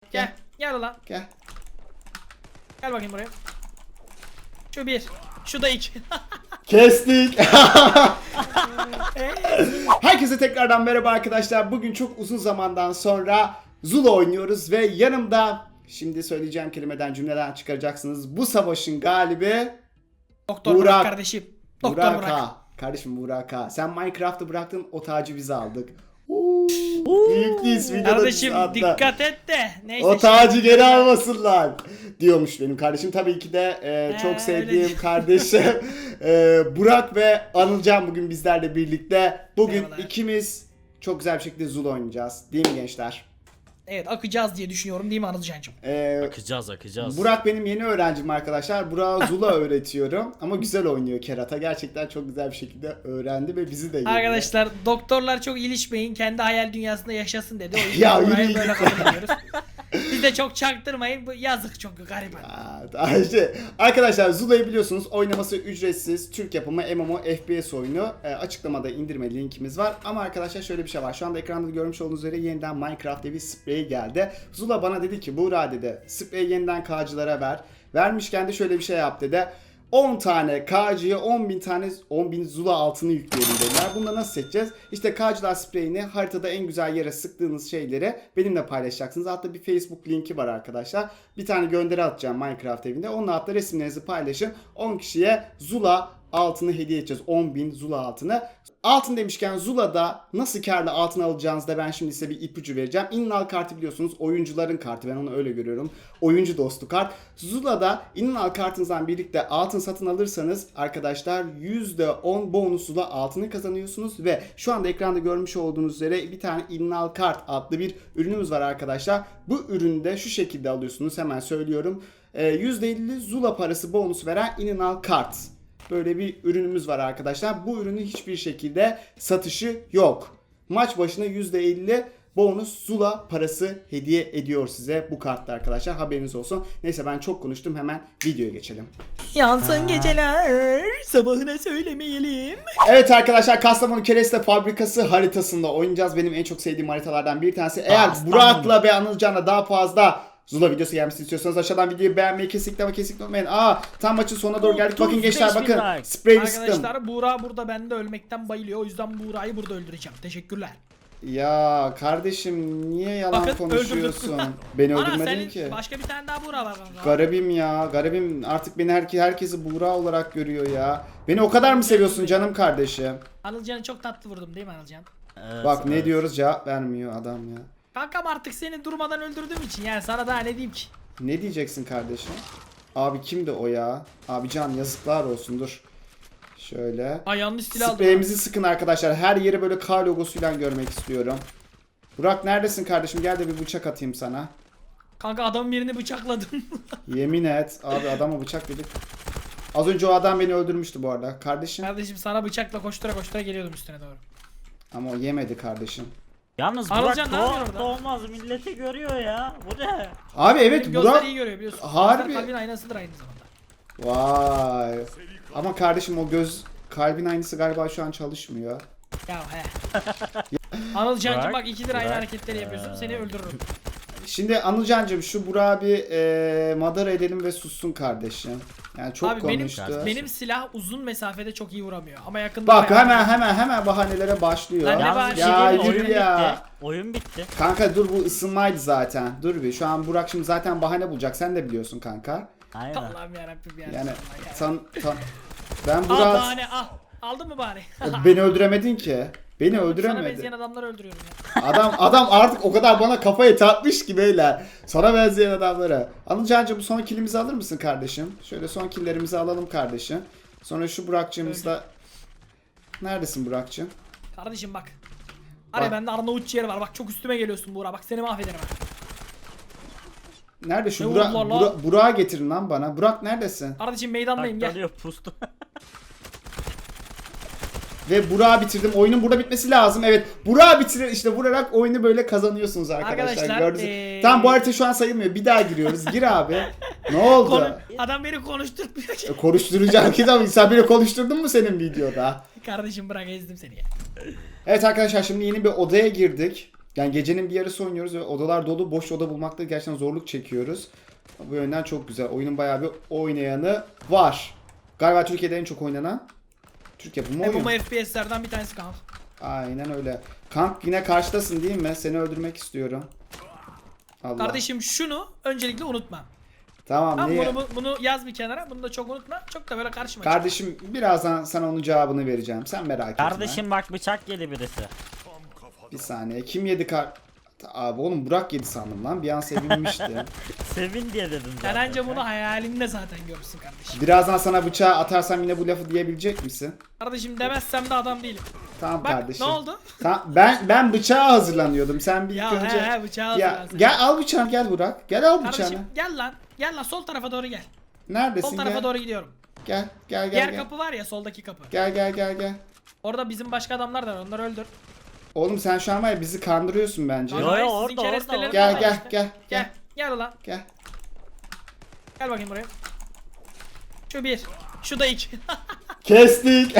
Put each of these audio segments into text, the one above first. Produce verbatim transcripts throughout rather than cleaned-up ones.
Gel. Gel ulan. Gel. Gel bakayım buraya. Şu bir. Şu da iki. Kestik. Herkese tekrardan merhaba arkadaşlar. Bugün çok uzun zamandan sonra Zula oynuyoruz ve yanımda, şimdi söyleyeceğim kelimeden cümleden çıkaracaksınız, bu savaşın galibi Doktor Burak. Burak kardeşim. Doktor Burak. Burak. Kardeşim Burak ha. Sen Minecraft'ı bıraktın, o tacı biz aldık. Uuu, büyüklüyüz videoda. Kardeşim dikkat et de. Neyse. O tacı geri almasınlar diyormuş benim kardeşim. Tabii ki de e, çok Ee, sevdiğim öyle. kardeşim e, Burak ve Anılcan bugün bizlerle birlikte. Bugün Merhabalar. ikimiz çok güzel bir şekilde Zula oynayacağız. Değil mi gençler? Evet, akacağız diye düşünüyorum değil mi Anılcan'cığım? E, Akacağız akacağız. Burak benim yeni öğrencim arkadaşlar. Burak'a Zula öğretiyorum. Ama güzel oynuyor kerata. Gerçekten çok güzel bir şekilde öğrendi ve bizi de yedi. Arkadaşlar doktorlar çok ilişmeyin. Kendi hayal dünyasında yaşasın dedi. O yüzden Ya, burayı yürü böyle git. kabul ediyoruz. Biz de çok çaktırmayın. Bu yazık çünkü gariban. Aa, daha işte. Arkadaşlar Zula'yı biliyorsunuz, oynaması ücretsiz, Türk yapımı M M O F P S oyunu. E, açıklamada indirme linkimiz var. Ama arkadaşlar şöyle bir şey var. Şu anda ekranda görmüş olduğunuz üzere yeniden Minecraft diye bir sprey geldi. Zula bana dedi ki, Buğra dedi, spreyi yeniden K'cılara ver. Vermişken de şöyle bir şey yap dedi. on tane K'cıya on bin tane on bin Zula altını yükleyelim dediler. Bunu da nasıl seçeceğiz? İşte K'cılar spreyini haritada en güzel yere sıktığınız şeyleri benimle paylaşacaksınız. Hatta bir Facebook linki var arkadaşlar. Bir tane gönderi atacağım Minecraft evinde. Onunla hatta resimlerinizi paylaşın. on kişiye Zula altını hediye edeceğiz. on bin Zula altını. Altın demişken Zula'da nasıl karlı altın alacağınızı da ben şimdi size bir ipucu vereceğim. İnnal kartı biliyorsunuz, oyuncuların kartı, ben onu öyle görüyorum. Oyuncu dostu kart. Zula'da İnnal kartınızdan birlikte altın satın alırsanız arkadaşlar yüzde on bonusla altını kazanıyorsunuz ve şu anda ekranda görmüş olduğunuz üzere bir tane İnnal kart adlı bir ürünümüz var arkadaşlar. Bu ürünü de şu şekilde alıyorsunuz, hemen söylüyorum. Ee, yüzde elli Zula parası bonus veren İnnal kart. Böyle bir ürünümüz var arkadaşlar. Bu ürünün hiçbir şekilde satışı yok. Maç başına yüzde elli bonus Zula parası hediye ediyor size bu kartla arkadaşlar. Haberiniz olsun. Neyse ben çok konuştum. Hemen videoya geçelim. Yansın geceler, sabahına söylemeyelim. Evet arkadaşlar, Kastamonu Kereste Fabrikası haritasında oynayacağız. Benim en çok sevdiğim haritalardan bir tanesi. Eğer Kastamonu. Burak'la ve Anılcan'la daha fazla Zula videosu gelmesini istiyorsanız aşağıdan videoyu beğenmeyi kesinlikle ama kesinlikle unutmayın. Aa, tam maçın sonuna doğru geldik. Bakın otuz gençler, beş bin bakın. like. Spreyli sıktım. Arkadaşlar Buğra burada, ben de ölmekten bayılıyor. O yüzden Buğra'yı burada öldüreceğim. Teşekkürler. Ya kardeşim, niye yalan Bakın, konuşuyorsun? öldürdüm. Beni Ana öldürmedin senin ki. başka bir tane daha Buğra var kanka. Garibim ya, garibim. Artık beni herke herkesi Buğra olarak görüyor ya. Beni o kadar mı seviyorsun canım kardeşim? Anılcan'ı çok tatlı vurdum değil mi Anılcan? Evet, Bak ne evet. diyoruz, cevap vermiyor adam ya. Kankam artık seni durmadan öldürdüğüm için yani sana daha ne diyeyim ki? Ne diyeceksin kardeşim? Abi kimdi o ya? Abi can, yazıklar olsun, dur. Şöyle. Ay yanlış silah aldım. Spreyimizi sıkın arkadaşlar. Her yeri böyle K logosuyla görmek istiyorum. Burak neredesin kardeşim? Gel de bir bıçak atayım sana. Kanka adamın birini bıçakladım. Yemin et. Abi adama bıçak dedik. Az önce o adam beni öldürmüştü bu arada. Kardeşim. Kardeşim sana bıçakla koştura koştura geliyordum üstüne doğru. Ama o yemedi kardeşim. Yalnız Anılcan Burak ne yapıyor doğ, orada? doğmaz, milleti görüyor ya. Bu ne? Abi evet, Benim gözler Burak. iyi görüyor biliyorsun. Harbi. Gözler kalbin aynasıdır aynı zamanda. Vay. Ama kardeşim o göz kalbin aynısı galiba şu an çalışmıyor. Ya he. Anılcan'cım Burak, bak ikidir aynı Burak. hareketleri yapıyorsun, seni öldürürüm. Şimdi Anılcancığım, şu Burak'ı bir e, madara edelim ve sussun kardeşim. Yani çok Abi benim konuştu. benim silah uzun mesafede çok iyi vuramıyor ama yakında Bak bayağı- hemen hemen hemen bahanelere başlıyor. Lan ne Yalnız bahane? bir şey Ya diyeyim mi? yürü oyun ya. bitti. Oyun bitti. Kanka dur, bu ısınmaydı zaten. Dur bir. Şu an Burak şimdi zaten bahane bulacak. Sen de biliyorsun kanka. Aynen. Allah'ım yarabbim ya. Yani Vallahi ya. san, tan- ben Al Burak bahane al. Aldın mı bahane? beni öldüremedin ki. Beni Sana öldüremedi. benzeyen adamları öldürüyorum ya. Adam adam artık o kadar bana kafayı takmış ki beyler. Sana benzeyen adamlara. Anılcancığım, bu son killimizi alır mısın kardeşim? Şöyle son killerimizi alalım kardeşim. Sonra şu Burak'cığımızla... Neredesin Burak'cığım? Kardeşim bak. Araya Bak. bende Arnavut ciğeri var. Bak çok üstüme geliyorsun Buğra. Bak seni mahvederim ha. Nerede şu Ne Burak? vurdular lan? Burak Burak'ı getirin lan bana. Burak neredesin? Kardeşim meydandayım gel. Taklanıyor pustu. Ve Burak'ı bitirdim. Oyunun burada bitmesi lazım. Evet. Burak'ı bitirir. İşte vurarak oyunu böyle kazanıyorsunuz arkadaşlar. Arkadaşlar, Gördünüz. ee, Tamam, bu harita şu an sayılmıyor. Bir daha giriyoruz. Gir abi. Ne oldu? Konu- adam beni konuşturtmuyor ki. E, Konuşturacağım ki tabii. Sen beni konuşturdun mu senin videoda? Kardeşim bırak ezdim seni ya. Evet arkadaşlar, şimdi yeni bir odaya girdik. Yani gecenin bir yarısı oynuyoruz ve odalar dolu. Boş oda bulmakta gerçekten zorluk çekiyoruz. Bu yönden çok güzel. Oyunun bayağı bir oynayanı var. Galiba Türkiye'de en çok oynanan Türk yapımı oyun. M M O F P S'lerden bir tanesi kanka. Aynen öyle. Kank yine karşıdasın değil mi? Seni öldürmek istiyorum. Allah. Kardeşim şunu öncelikle unutma. Tamam, Tamam, niye? bunu, bunu yaz bir kenara. Bunu da çok unutma. Çok da böyle karşıma çık. Kardeşim birazdan sana onun cevabını vereceğim. Sen merak etme. Kardeşim bak bıçak yedi birisi. Bir saniye. Kim yedi kar... Abi oğlum Burak yedi sandım lan. Bir an sevinmişti. Sevin diye dedim Sen zaten. anca bunu hayalinde zaten görürsün kardeşim. Birazdan sana bıçağı atarsam yine bu lafı diyebilecek misin? Kardeşim demezsem de adam değilim. Tamam Bak kardeşim. ne oldu? Tamam, ben ben bıçağa hazırlanıyordum. Sen bir ilk Ya önce... he he bıçağı Ya hazırlan sen. gel al bıçağını, gel Burak. Gel al bıçağını. Kardeşim gel lan. Gel lan sol tarafa doğru gel. Neredesin? Sol tarafa Gel. doğru gidiyorum. Gel gel gel. Diğer gel. kapı var ya, soldaki kapı. Gel gel gel gel. Orada bizim başka adamlar da var. Onları öldür. Oğlum sen şu an var ya bizi kandırıyorsun bence. Yo, yo, Hayır, orada, sizin orada, keresteleriniz orada. Gel var gel işte. gel Gel. gel Gel ulan. gel. Gel bakayım buraya. Şu bir. Şu da iki. Kestik.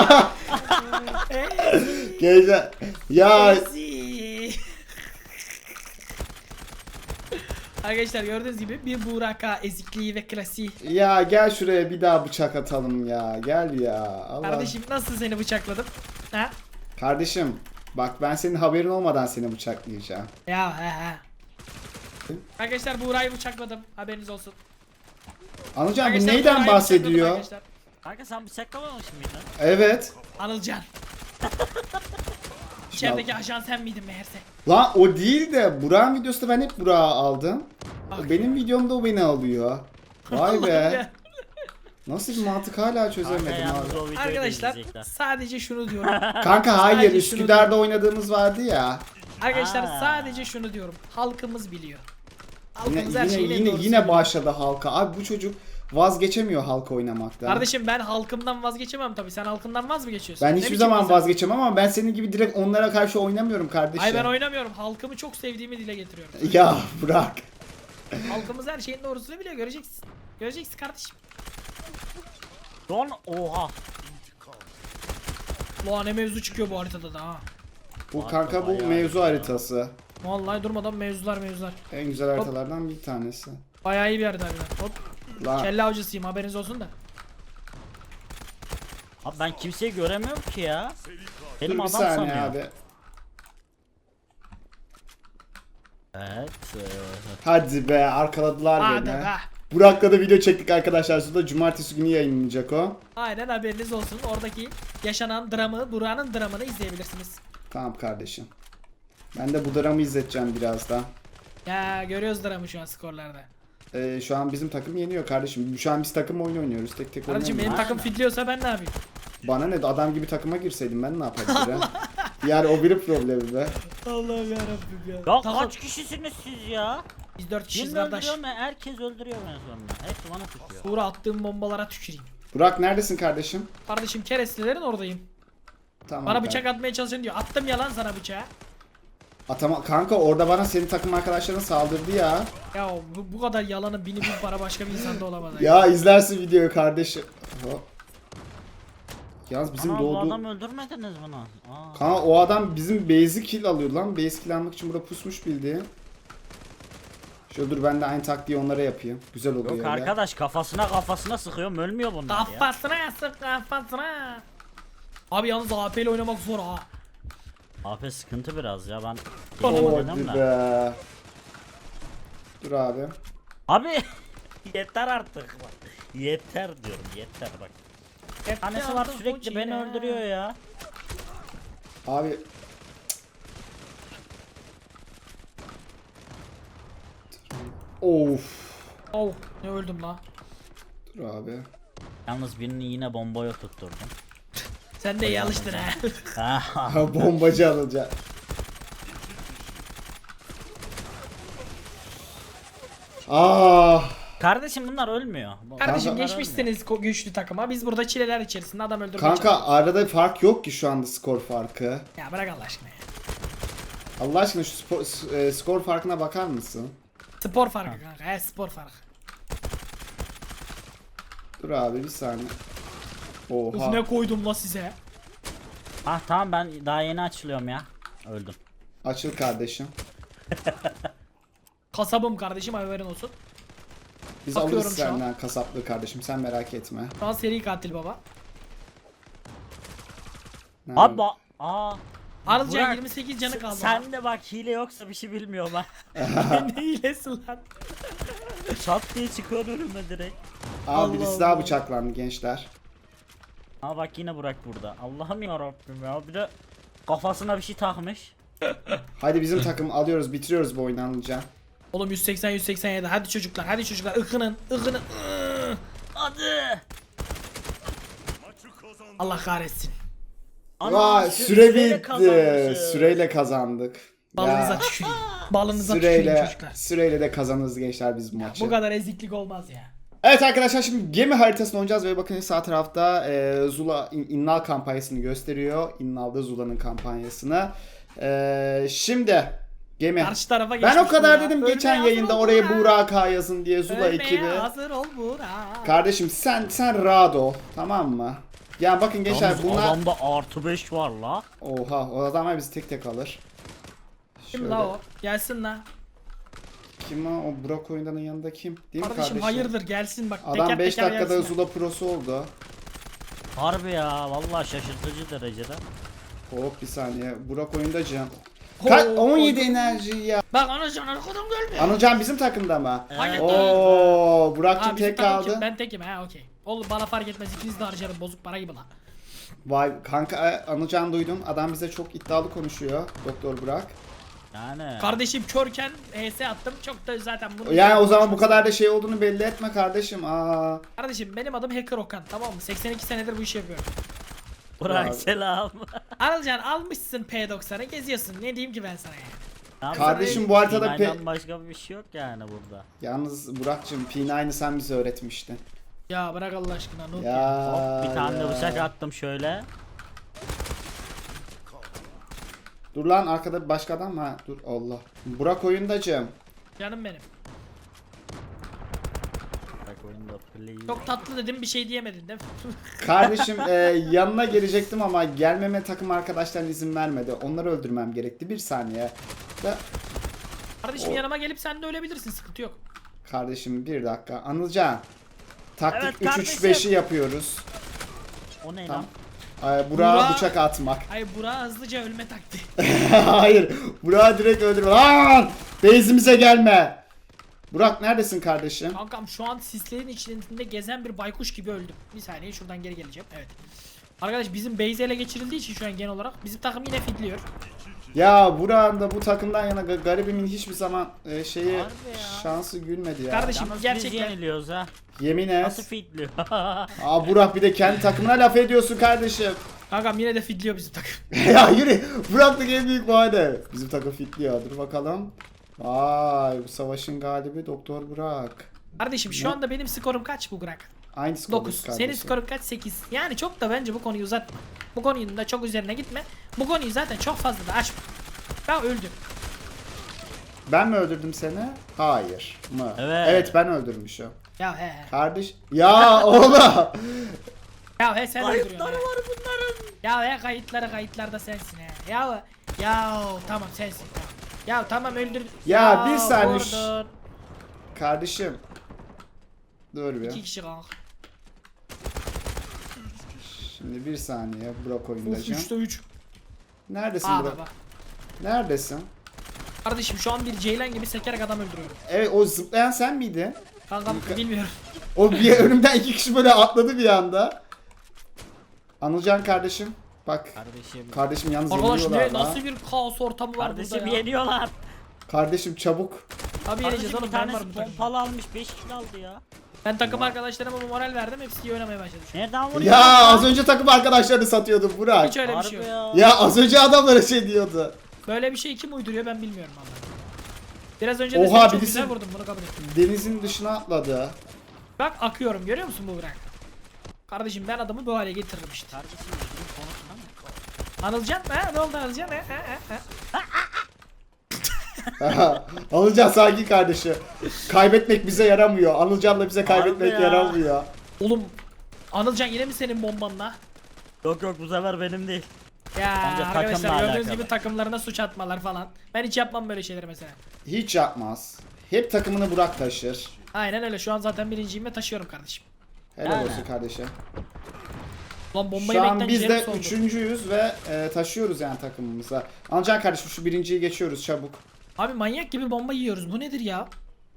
Gece. Ya Easy. Arkadaşlar gördüğünüz gibi bir Buraka ezikliği ve klasiği. ya gel şuraya bir daha bıçak atalım ya. Gel ya. Allah. Kardeşim nasıl seni bıçakladım? Ha? Kardeşim bak ben senin haberin olmadan seni bıçaklayacağım. Ya he he. Arkadaşlar Buğra'yı bıçakladım. Haberiniz olsun. Anılcan bu Arkadaşlar, neyden Buğra'yı bıçakladım bahsediyor? arkadaşlar. Kanka sen bıçaklamamış mıydın? Evet. Anılcan. İçerideki ajan sen miydin meğerse? Lan o değil de Burak'ın videosunda ben hep Burak'ı aldım. Bak. Benim videomda o beni alıyor. Vay be. Ya. Nasıl bir mantık hala Kanka çözemedim yalnız abi. o videoyu Arkadaşlar izleyecekler. sadece şunu diyorum. Kanka hayır Sadece şunu Üsküdar'da oynadığımız vardı ya. Arkadaşlar Aa. sadece şunu diyorum. Halkımız biliyor. Yine Halkımız her yine şeyin en yine, doğrusunu yine biliyor. başladı halka. Abi bu çocuk vazgeçemiyor halka oynamaktan. Kardeşim ben halkımdan vazgeçemem tabii. Sen halkından vaz mı geçiyorsun? ben Ne hiçbir biçim zaman insan? vazgeçemem ama ben senin gibi direkt onlara karşı oynamıyorum kardeşim. Ay ben oynamıyorum. Halkımı çok sevdiğimi dile getiriyorum. Ya bırak. Halkımız her şeyin doğrusunu biliyor. Göreceksin. Göreceksin kardeşim. Don oha. Ulan ne mevzu çıkıyor bu haritada da ha. Bu Harika kanka bu bayağı mevzu ya. haritası. Vallahi durmadan mevzular mevzular. En güzel haritalardan bir tanesi. Bayağı iyi bir harita harbiden. Hop. Lan Kelle avcısıyım, haberiniz olsun da. Abi ben kimseyi göremiyorum ki ya. Benim dur bir adam saniye sanıyor. abi. Evet. e, Hadi be arkaladılar Hadi beni. be. Burak'la da video çektik arkadaşlar. Sonra cumartesi günü yayınlanacak o. Aynen haberiniz olsun. Oradaki yaşanan dramı, Burak'ın dramını izleyebilirsiniz. Tamam kardeşim. Ben de bu dramı izleteceğim birazdan. Ya görüyoruz dramı şu an skorlarda. Ee, şu an bizim takım yeniyor kardeşim. Şu an biz takım oyunu oynuyoruz. Tek tek Kardeşim benim oynamıyoruz. takım fitliyorsa ben ne yapayım? Bana ne adam gibi takıma girseydim ben ne yapabilirim? Yani o biri problemi be. Allah'ım yarabbim ya. Ya Takım- kaç kişisiniz siz ya? Biz dört kişiyiz Birini kardeş. öldürüyorum ben, herkes öldürüyor beni sonra. Hepsi bana tutuyor. Buğra attığım bombalara tüküreyim. Burak neredesin kardeşim? Kardeşim kerestelerin oradayım. Tamam. Bana kanka. bıçak atmaya çalışın diyor. Attım yalan sana bıçağı. Atama kanka orada bana senin takım arkadaşların saldırdı ya. Ya bu, bu kadar yalanın bini bin para başka bir insanda olamaz. Ya izlersin videoyu kardeşim. Hop. Yalnız bizim Ana bu doğduğu... adam öldürmediniz bunu. Aa. Kanka o adam bizim base'i kill alıyor lan. Base kill almak için burada pusmuş bildiğin. Şöyle dur ben de aynı taktiği onlara yapayım. Güzel oluyor Yok öyle. arkadaş kafasına kafasına sıkıyorum ölmüyor bunlar ya. Kafasına sık kafasına. Abi yalnız A P ile oynamak zor ha. A P sıkıntı biraz ya ben Oğlum, yapamadım Hadi da. be. Dur abi. Abi yeter artık bak. Yeter diyorum yeter bak. Hep Tanesi var yandım sürekli beni Fuji'ne. öldürüyor ya. Abi. Of. Oh ne öldüm la. Dur abi. Yalnız birini yine bombaya tutturdum. Sen de iyi alıştın ha. Ha, Ha, bombacı alacak. Ah. Kardeşim bunlar ölmüyor. Kardeşim Kanka- geçmişsiniz ko- güçlü takıma. Biz burada çileler içerisinde adam öldürmeye Kanka çalışıyoruz. arada fark yok ki şu anda skor farkı. Ya bırak Allah aşkına ya. Allah aşkına şu spor, s- e, skor farkına bakar mısın? Spor farkı kanka. He spor farkı. Dur abi bir saniye. Uf Oha. ne koydum la size. Ah tamam ben daha yeni açılıyorum ya. Öldüm. Açıl kardeşim. Kasabım kardeşim, haberin olsun. Biz Bakıyorum alırız şu an. senden kasaplığı kardeşim, sen merak etme. Şu an seri katil baba. Nerede? Abi aa. Arılcan Burak, yirmi sekiz canı kaldı. Sen de bak hile yoksa bir şey bilmiyorum ha. Ne hilesi lan? Çat diye çıkıyor önüme direkt. Aa Allah birisi daha Allah. bıçaklandı gençler. Aa bak yine Burak burada. Allah'ım yarabbim ya. Bir de kafasına bir şey takmış. Hadi bizim takım alıyoruz, bitiriyoruz bu oyunu Anılcan. Oğlum yüz seksen yüz seksen yedi, hadi çocuklar, hadi çocuklar, ıkının ıkının. ıı. Hadi. Allah kahretsin. Vay sü- süre süreyle bitti. kazanmışız. Süreyle kazandık. Balınıza Ya, tüküreyim. Balınıza tüküreyim süreyle, çocuklar. süreyle de kazanırız gençler biz bu maçı. Bu kadar eziklik olmaz ya. Evet arkadaşlar, şimdi gemi haritasını oynayacağız ve bakın sağ tarafta e, Zula İn- İnnal kampanyasını gösteriyor. İnnal'da Zula'nın kampanyasını. E, şimdi gemi. Karşı tarafa Ben geçmiş o kadar Buğra. dedim Ölmeye geçen hazır yayında ol oraya Buğra. Buğra K yazın diye Zula Ölmeye ekibi. hazır ol Buğra. Kardeşim sen sen rahat ol, tamam mı? Yani bakın gençler Yalnız bunlar... adamda artı beş var la. Oha, o adamlar bizi tek tek alır. Kim Şöyle- la o? Gelsin la. Kim o? O Burak oyundanın yanında kim? Değil mi Kardeşim, kardeşim? hayırdır, gelsin bak. Adam teker beş teker dakikada gelsin. Zula Pro'su oldu. Harbi ya vallahi şaşırtıcı derecede. Hop bir saniye. Burak oyundacım. Oo, Ka- on yedi oyun- enerji ya. Bak anacan arkadan gelme. Anılcan bizim takımda mı? Hayır. Oo, Burak'cığım Ha, bizim tek takım kim? kaldı. Ben tekim ha, okey. Oğlum bana fark etmez, ikiniz de harcarım bozuk para gibi lan. Vay kanka, e, Anılcan duydum. Adam bize çok iddialı konuşuyor. Doktor Burak. Yani. Kardeşim körken H S attım, çok da zaten bunu... Yani o zaman bu kadar da şey olduğunu belli etme kardeşim. Aa. Kardeşim benim adım Hacker Okan, tamam mı? seksen iki senedir bu işi yapıyorum. Burak Ya. selam. Anılcan almışsın P doksanı, geziyorsun, ne diyeyim ki ben sana ya? Tamam, Kardeşim, sana bu haritada Sinay'dan pe- başka bir şey yok yani burada. Yalnız Burak'cığım P nine'ı sen bize öğretmiştin. Ya bırak Allah aşkına, Nur ya. Ya. Hop bir tane de ya. bıçak attım şöyle. Dur lan, arkada bir başka adam var. Dur Allah. Burak oyundacım. Canım benim. Bak oyunda play. Çok tatlı dedim, bir şey diyemedin değil mi? Kardeşim e, yanına gelecektim ama gelmeme takım arkadaşların izin vermedi. Onları öldürmem gerekti. Bir saniye. Da, Kardeşim O- yanıma gelip sen de ölebilirsin, sıkıntı yok. kardeşim bir dakika. Anılcan. Taktik Evet üç üç kardeşim. beşi yapıyoruz. O ne Tamam. lan? Ee, Burak'a Burak- bıçak atmak. Ay Burak'a hızlıca ölme taktiği. Hayır. Burak'ı direkt öldürme. Lan! Base'imize gelme. Burak neredesin kardeşim? Kankam şu an sislerin içinde gezen bir baykuş gibi öldüm. Bir saniye, şuradan geri geleceğim. Evet. Arkadaş bizim base ele geçirildiği için şu an genel olarak bizim takım yine fidliyor. Ya Burak'ın da bu takımdan yana ga- garibimin hiçbir zaman e, şeyi Harbi ya. şansı gülmedi ya. Kardeşim, Yalnız biz gerçekten- yeniliyoruz ha. Yemin et. Nasıl fitliyor? Aa Burak, bir de kendi takımına laf ediyorsun kardeşim. Kankam yine de fidliyor bizim takım. Ya yürü. Burak'lık en büyük bahane. Bizim takım fitliyor. Dur bakalım. Vay, bu savaşın galibi Doktor Burak. Kardeşim şu Ne? anda benim skorum kaç bu Burak? Aynı skor dokuz. kardeşim. Senin skorun kaç? sekiz. Yani çok da bence bu konuyu uzatma. Bu konunun da çok üzerine gitme. Bu konuyu zaten çok fazla da açma. Ben öldüm. Ben mi öldürdüm seni? Hayır. Mı? Evet. Evet, ben öldürmüşüm. Ya he he. Kardeş. Ya oğlum. Ya he sen öldürüyorsun. Kayıtları he. var bunların. Ya he kayıtları kayıtlarda sensin he. Ya ya tamam sensin. Tamam. Ya tamam öldür. Ya, bir saniye. vurdun. Kardeşim. Dur İki bir. kişi kanka. Şimdi bir saniye Burak Of oyundacığım. üçte üç. Neredesin Aa Burak? baba. Neredesin? Kardeşim şu an bir ceylan gibi sekerek adam öldürüyorum. Evet, o zıplayan sen miydin? Kankam bilmiyorum. O bir önümden iki kişi böyle atladı bir anda. Anılcan kardeşim. Bak. Kardeşim. Kardeşim yalnız Arkadaş yeniliyorlar ne la. nasıl bir kaos ortamı var Kardeşim burada ya. yeniyorlar. Kardeşim çabuk. Tabii yeneceğiz Kardeşim oğlum, bir ben tanesi varım bu takımda. pompalı almış beş kill aldı ya. Ben takım arkadaşlarıma bu moral verdim, hepsi iyi oynamaya başladı şu an. Nereden vuruyor? Ya az önce takım arkadaşlarını satıyordun Burak. Hiç öyle bir Harbi şey yok. ya. Ya az önce adamlara şey diyordu. Böyle bir şey kim uyduruyor ben bilmiyorum vallahi. Biraz önce de Oha, seni çok birisi- güzel vurdum, bunu kabul ettim. Denizin dışına atladı. Bak akıyorum, görüyor musun bu bırak? Kardeşim ben adamı bu hale getiririm işte. Kardeşim bizim konusunda mı? Anılcan ha, ne oldu Anılcan ha, ha, ha, ha. Anılcan sakin kardeşim. Kaybetmek bize yaramıyor. Anılcan'la bize kaybetmek Harbi ya. yaramıyor. Oğlum Anılcan yine mi senin bombanla? Yok yok bu sefer benim değil. Ya Bence arkadaşlar takımla gördüğünüz alakalı. gibi takımlarına suç atmalar falan. Ben hiç yapmam böyle şeyleri mesela. Hiç yapmaz. Hep takımını Burak taşır. Aynen öyle. Şu an zaten birinciyim ve taşıyorum kardeşim. Helal Yani. olsun kardeşim. Lan bombayı Şu an beklen biz ciğerim de soldu. üçüncüyüz ve e, taşıyoruz yani takımımıza. Ancan kardeşim şu birinciyi geçiyoruz çabuk. Abi manyak gibi bomba yiyoruz. Bu nedir ya?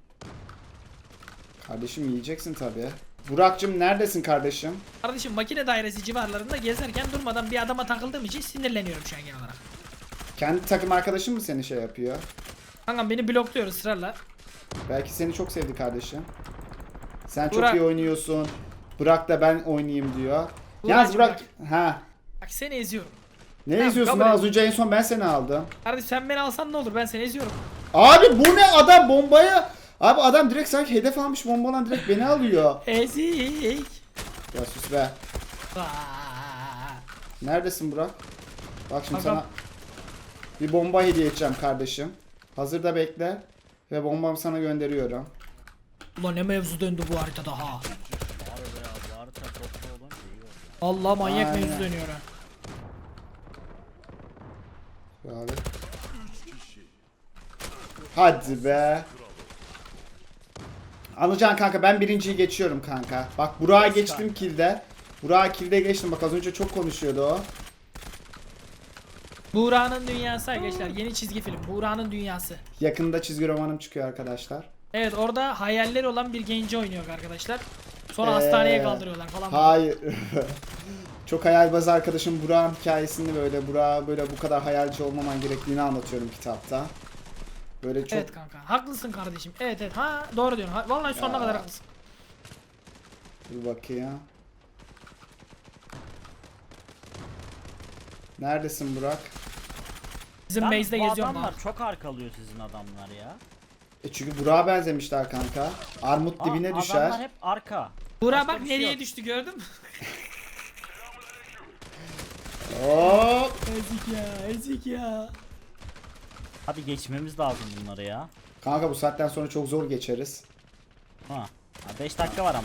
Kardeşim yiyeceksin tabii. Burak'cığım neredesin kardeşim? Kardeşim makine dairesi civarlarında gezerken durmadan bir adama takıldığım için sinirleniyorum şu an genel olarak. Kendi takım arkadaşın mı seni şey yapıyor? Kankam beni blokluyor ısrarla. Belki seni çok sevdi kardeşim. Sen çok Burak. iyi oynuyorsun. Bırak da ben oynayayım diyor. Burak, Yalnız Burak, ha. Bak seni eziyorum. Ne Tamam, izliyorsun kabul lan? et. Az önce en son ben seni aldım. Kardeşim sen beni alsan ne olur, ben seni eziyorum. Abi bu ne adam bombaya? Abi adam direkt sanki hedef almış bombalan direkt beni alıyor. Ezik. Ya sus be. Aa. Neredesin Burak? Bak şimdi Kankam. sana bir bomba hediye edeceğim kardeşim. Hazırda bekle. Ve bombamı sana gönderiyorum. Ulan ne mevzu döndü bu haritada ha. Harbi ya bu harita toplu olunca iyi oldu. Allah manyak Aynen. mevzu dönüyor ha. Abi. Hadi be. Anılcan kanka ben birinciyi geçiyorum kanka. Bak Burak'a geçtim kilde. Burak'a kilde geçtim. Bak az önce çok konuşuyordu o. Buğra'nın dünyası arkadaşlar, yeni çizgi film. Buğra'nın dünyası. Yakında çizgi romanım çıkıyor arkadaşlar. Evet, orada hayalleri olan bir genci oynuyor arkadaşlar. Sonra Ee, hastaneye kaldırıyorlar falan. Hayır. Çok hayalbaz arkadaşım Burak'ın hikayesini böyle Burak'a böyle bu kadar hayalci olmaman gerektiğini anlatıyorum kitapta. Böyle çok Evet kanka, haklısın kardeşim. Evet evet, ha doğru diyorsun. Ha, vallahi sonuna Ya. kadar haklısın. bir bakayım. Neredesin Burak? Bizim Lan base'de bu geziyorum adamlar bak. çok arkalıyor sizin adamlar ya. E çünkü Burak'a benzemişler kanka. Armut Aa, dibine düşer. Adamlar hep arka. Buğra Başka bak bir şey nereye yok. düştü, gördün mü? Hop. Ezik ya, ezik ya. Hadi geçmemiz lazım bunları ya. Kanka bu saatten sonra çok zor geçeriz. Ha. beş dakika var ama.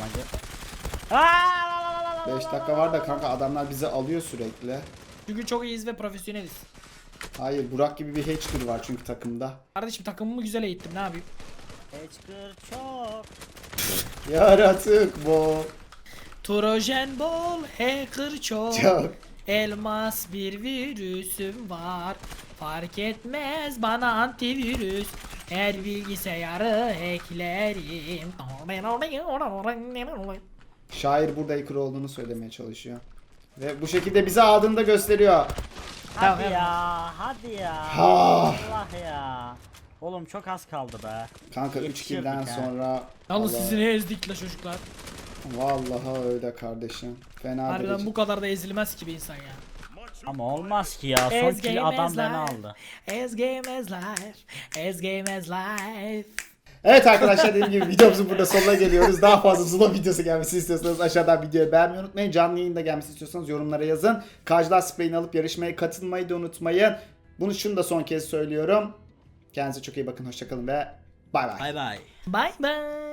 beş dakika var da kanka adamlar bizi alıyor sürekli. Çünkü çok iyiyiz ve profesyoneliz. Hayır Burak gibi bir hacker var çünkü takımda. Kardeşim takımımı güzel eğittim, ne yapayım? Hacker çok. Yaratık bu. Trojan bol, hacker çok. Çok. Elmas bir virüsüm var. Fark etmez bana antivirüs. Her bilgisayarı hacklerim. Şair burada hacker olduğunu söylemeye çalışıyor. Ve bu şekilde bizi aldığını da gösteriyor. Hadi Tamam. ya, hadi ya. Ha. Allah ya. Oğlum çok az kaldı be. Kanka üç Yetişirdik kill'den ha. sonra Yalnız Allah- sizi ne ezdik la çocuklar. Vallahi öyle kardeşim. Fena Harbiden derece. bu kadar da ezilmez ki bir insan ya. Ama olmaz ki ya. Son Ez kill game adam as beni life. aldı. As game as life. As game as life. Evet arkadaşlar dediğim gibi videomuzun burada sonuna geliyoruz. Daha fazla Zula videosu gelmesini istiyorsanız aşağıdan videoyu beğenmeyi unutmayın. Canlı yayında gelmesini istiyorsanız yorumlara yazın. Kajlar spreyini alıp yarışmaya katılmayı da unutmayın. Bunu şunu da son kez söylüyorum. Kendinize çok iyi bakın. Hoşçakalın ve bay bay. Bay bay. Bye bye.